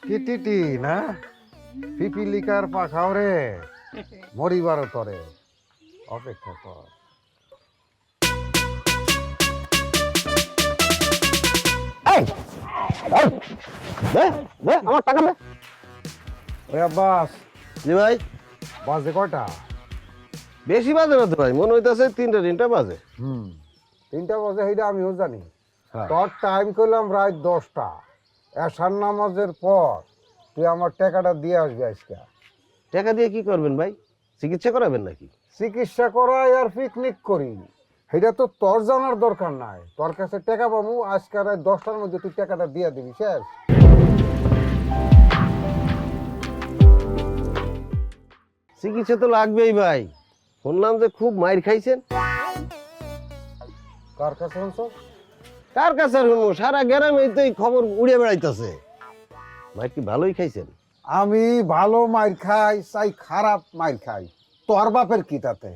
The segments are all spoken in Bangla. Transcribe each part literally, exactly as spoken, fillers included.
টিটি না পিপিলিকার পাখাও রে মরিবার তরে অপেক্ষা কর। আমার টাকা দে। ওই আব্বাস, জি ভাই। বাজে কয়টা? বেশি বাজে না তো ভাই, মনে হইতেছে তিনটা তিনটা বাজে। হুম, তিনটা বাজে সেইটা আমিও জানি। হ্যাঁ। তোর টাইম করলাম রাত দশটা, এশার নামাজের পর তুই আমার টাকাটা দিয়ে আসবি আজকে। টাকা দিয়ে কি করবেন ভাই? চিকিৎসা করাবেন নাকি? চিকিৎসা করাই আর পিকনিক করি, সেটা তো তোর জানার দরকার নাই। তোর কাছে টাকা পাবো আজকে রাত দশটার মধ্যে, তুই টাকাটা দিয়ে দিবি, শেষ। চিকিৎসা তো লাগবেই ভাই, শুনলাম যে খুব মাইর খাইছেন। কার কাছে শুনছো? কার কাছে আর শুনবো, সারা গ্রামে তো এই খবর উড়ে বেড়াইতেছে। মাইর কি ভালোই খাইছেন? আমি ভালো মাইর খাই চাই খারাপ মাইর খাই, তোর বাপের কি তাতে?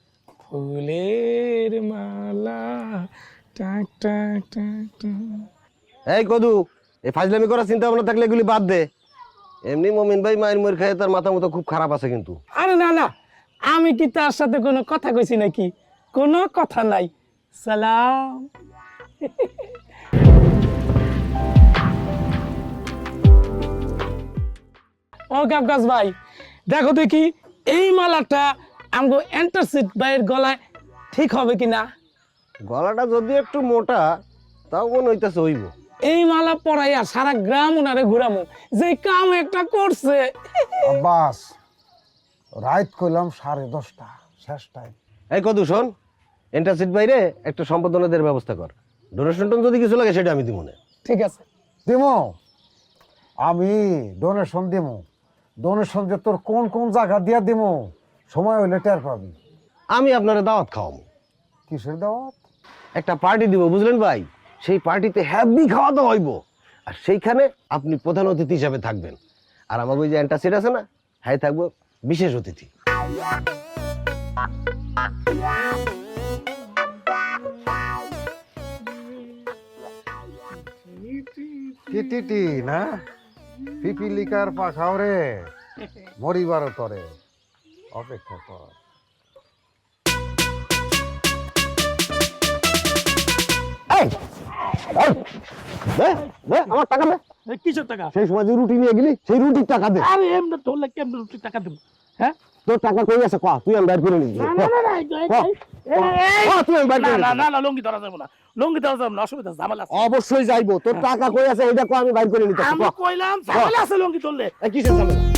ফুলের মালা টাক টাক টাক টাক। এই কদু, এই ফাজলামি করার চিন্তা ভাবনা থাকলে এগুলি বাদ দে। এমনি মমিন ভাই মায়ের ময়ের খায়, তার মাথা মতো খুব খারাপ আছে কিন্তু। আরে না না, আমি কি তার সাথে কোনো কথা কইছি নাকি? কোনো কথা নাই। সালাম। ও গাবগাছ ভাই, দেখো দেখি এই মালাটা আমগো এন্টারসিট ভাইয়ের গলায় ঠিক হবে কিনা। গলাটা যদি একটু মোটা, তাও মনে হইতেছে হইব। এই মালা পরাইয়া সারা গ্রাম ওনারে ঘুরামু, যে কাম একটা করছে। আব্বাস, রাত কইলাম সাড়ে দশটা, শেষ টাইম। এই কদু শোন, এন্টারসিট বাইরে একটা সম্পাদনাদের ব্যবস্থা কর। ডোনেশন টোন যদি কিছু লাগে সেটা আমি দিব না। ঠিক আছে। দিমো, আমি ডোনেশন দিমো। ডোনেশন যে তোর কোন কোন জায়গা দিয়া দিমো, সময় হইলে টের পাবি। আমি আপনারা দাওয়াত খাওয়াবো, কিসের দাওয়াত? একটা পার্টি দিব, বুঝলেন ভাই? সেই পার্টিতে হ্যাপি খাওয়া দাওয়া হইব, আর সেইখানে আপনি প্রধান অতিথি হিসাবে থাকবেন। আর আমার ওই যে অ্যান্টাসিড আছে না, হ্যাঁ থাকবো বিশেষ অতিথি। টিটি না পিপিলিকার পাখাও রে মরিবার তরে অপেক্ষা কর। আমার টাকা দে। কিসের টাকা? সেই সময় যে রুটি নিয়ে গেলি, সেই রুটির টাকা দে। আরে এমনি ধরলে কেমন রুটি টাকা দেবো? হ্যাঁ, তোর টাকা কই আছে কয়া, তুই আমি বাইর করে নিবি। না না না না, এই- এই- এই- এই- কয়া, তুই আমি বাইর না করে না নিবি। না না, লুঙ্গি ধরা যাবে না, লুঙ্গি ধরা যাবে না, অসুবিধা ঝামেলা আছে। অবশ্যই যাইবো, তোর টাকা কই আছে এটা কয়া, আমি বাইর করে নিতে। আমি কইলাম ঝামেলা আছে লুঙ্গি ধরলে। কিসের ঝামেলা?